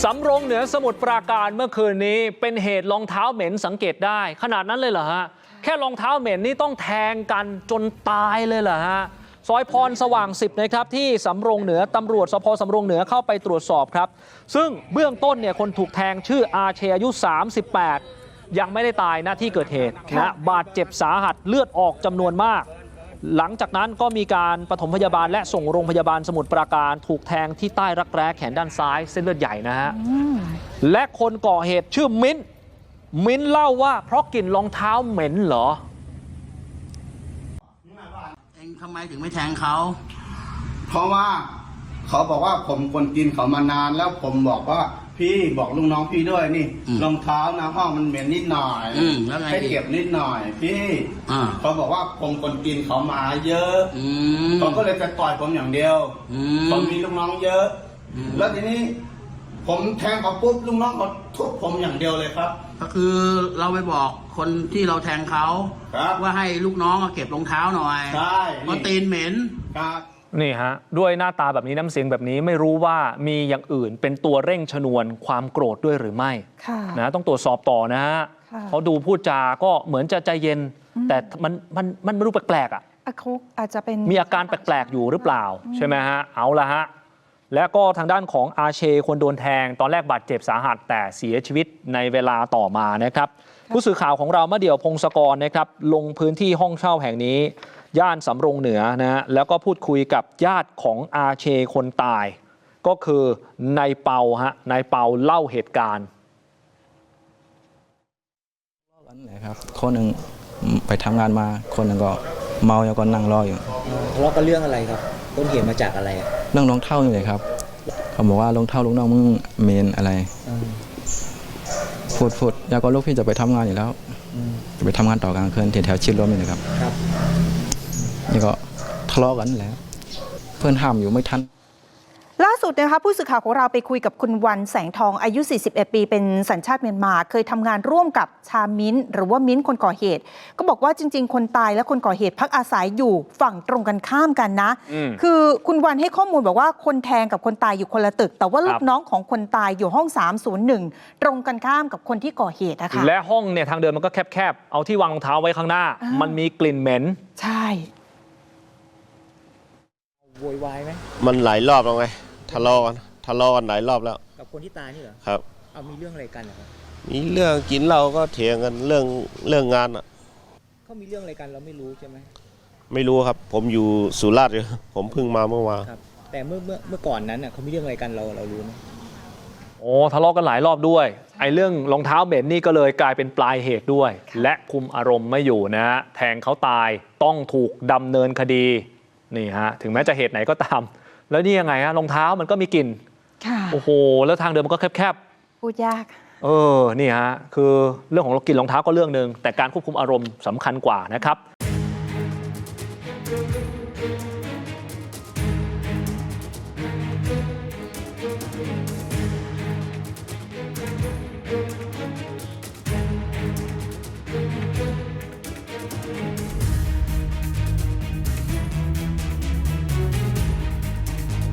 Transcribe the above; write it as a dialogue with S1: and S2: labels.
S1: สำโรงเหนือสมุทรปราการเมื่อคืนนี้เป็นเหตุรองเท้าเหม็นสังเกตได้ขนาดนั้นเลยเหรอฮะแค่รองเท้าเหม็นนี่ต้องแทงกันจนตายเลยเหรอฮะซอยพรสว่าง10นะครับที่สำโรงเหนือตำรวจสภ.สำโรงเหนือเข้าไปตรวจสอบครับซึ่งเบื้องต้นเนี่ยคนถูกแทงชื่ออาเชอายุ38ยังไม่ได้ตายณที่เกิดเหตุนะบาดเจ็บสาหัสเลือดออกจำนวนมากหลังจากนั้นก็มีการปฐมพยาบาลและส่งโรงพยาบาลสมุทรปราการถูกแทงที่ใต้รักแร้แขนด้านซ้ายเส้นเลือดใหญ่นะฮะและคนก่อเหตุชื่อมิ้นเล่าว่าเพราะกลิ่นรองเท้าเหม็นเหรอ
S2: เองทำไมถึงไม่แทงเขา
S3: เพราะว่าเขาบอกว่าผมคนกินเขามานานแล้วผมบอกว่าพี่บอกลุงน้องพี่ด้วยนี่รองเท้านะห้องมันเหม็นนิดหน่อยให้เก็บนิดหน่อยพี่เขาบอกว่าผมคนกินเขามาเยอะเขาก็เลยจะต่อยผมอย่างเดียวผมมีลูกน้องเยอะแล้วทีนี้ผมแทงเขาปุ๊บลูกน้องเขาทุบผมอย่างเดียวเลยครับ
S2: ก็คือเราไปบอกคนที่เราแทงเขาว่าให้ลูกน้องเก็บรองเท้าหน่อย
S3: ใช่
S2: เพราะตีนเหม็น
S3: ครับ
S1: นี่ฮะด้วยหน้าตาแบบนี้น้ำเสียงแบบนี้ไม่รู้ว่ามีอย่างอื่นเป็นตัวเร่งชนวนความโกรธด้วยหรือไม่นะต้องตรวจสอบต่อนะฮะเขาดูพูดจาก็เหมือนจะใจเย็นแต่มันไม่รู้แปลกๆอ่ะ
S4: อาจจะเป็น
S1: มีอาการแปลกๆอยู่หรือเปล่าใช่ไหมฮะเอาละฮะและก็ทางด้านของอาเชคนโดนแทงตอนแรกบาดเจ็บสาหัสแต่เสียชีวิตในเวลาต่อมานะครับผู้สื่อข่าวของเรามะเดี่ยวพงศกรนะครับลงพื้นที่ห้องเช่าแห่งนี้ย่านสำโรงเหนือนะฮะแล้วก็พูดคุยกับญาติของอาเชคนตายก็คือนายเปาฮะนายเปาเล่าเหตุการณ์
S5: ครับคนหนึ่งไปทำงานมาคนหนึ่งก็เมาแล้วก็นั่งรออยู่
S6: ทะเลาะกันเรื่องอะไรครับต้นเหตุมาจากอะไร
S5: เรื่องรองเท้าอยู่เลยครับเขาบอกว่ารองเท้าลูกน้องมึงเมนอะไรพูดแล้วก็ลูกพี่จะไปทำงานอยู่แล้วจะไปทำงานต่อกลางคืนแถวชิดลมนี่นะครับนี่ก็ทะเลาะกันแล้วเพื่อนห้ามอยู่ไม่ทัน
S4: ล่าสุดนะคะผู้สื่อข่าวของเราไปคุยกับคุณวันแสงทองอายุ41ปีเป็นสัญชาติเมียนมาเคยทำงานร่วมกับชามิ้นหรือว่ามิ้นคนก่อเหตุก็บอกว่าจริงๆคนตายและคนก่อเหตุพักอาศัยอยู่ฝั่งตรงกันข้ามกันนะคือคุณวันให้ข้อมูลบอกว่าคนแทงกับคนตายอยู่คนละตึกแต่ว่าลูกน้องของคนตายอยู่ห้อง301ตรงกันข้ามกับคนที่ก่อเหตุนะคะ
S1: และห้องเนี่ยทางเดินมันก็แคบๆเอาที่วางรองเท้าไว้ข้างหน้ามันมีกลิ่นเหม็น
S4: ใช่
S6: โวยวายไหม
S7: มันหลายรอบแล้วไงทะเลาะกันหลายรอบแล้ว
S6: กับคนที่ตายนี่เหรอ
S7: ครับ
S6: เอามีเรื่องอะไรกันเหรอครับ
S7: มีเรื่องกินเหล้าก็เถียงกันเรื่องงานอ่ะ
S6: เขามีเรื่องอะไรกันเราไม่รู้ใช่ไหม
S7: ไม่รู้ครับผมอยู่สุราษฎร์อยู่ผมเพิ่งมาเมื่อวาน
S6: ครับแต่เมื่อก่อนนั้นเขามีเรื่องอะไรกันเรารู้ไหม
S1: โอ้ทะเลาะกันหลายรอบด้วยไอ้เรื่องรองเท้าเหม็นนี่ก็เลยกลายเป็นปลายเหตุด้วยและคุมอารมณ์ไม่อยู่นะแทงเขาตายต้องถูกดำเนินคดีนี่ฮะถึงแม้จะเหตุไหนก็ตามแล้วนี่ยังไงฮะรองเท้ามันก็มีกลิ่นโอ้โหแล้วทางเดินมันก็แคบ
S4: ๆพูดยาก
S1: นี่ฮะคือเรื่องของกลิ่นรองเท้าก็เรื่องนึงแต่การควบคุมอารมณ์สำคัญกว่านะครับ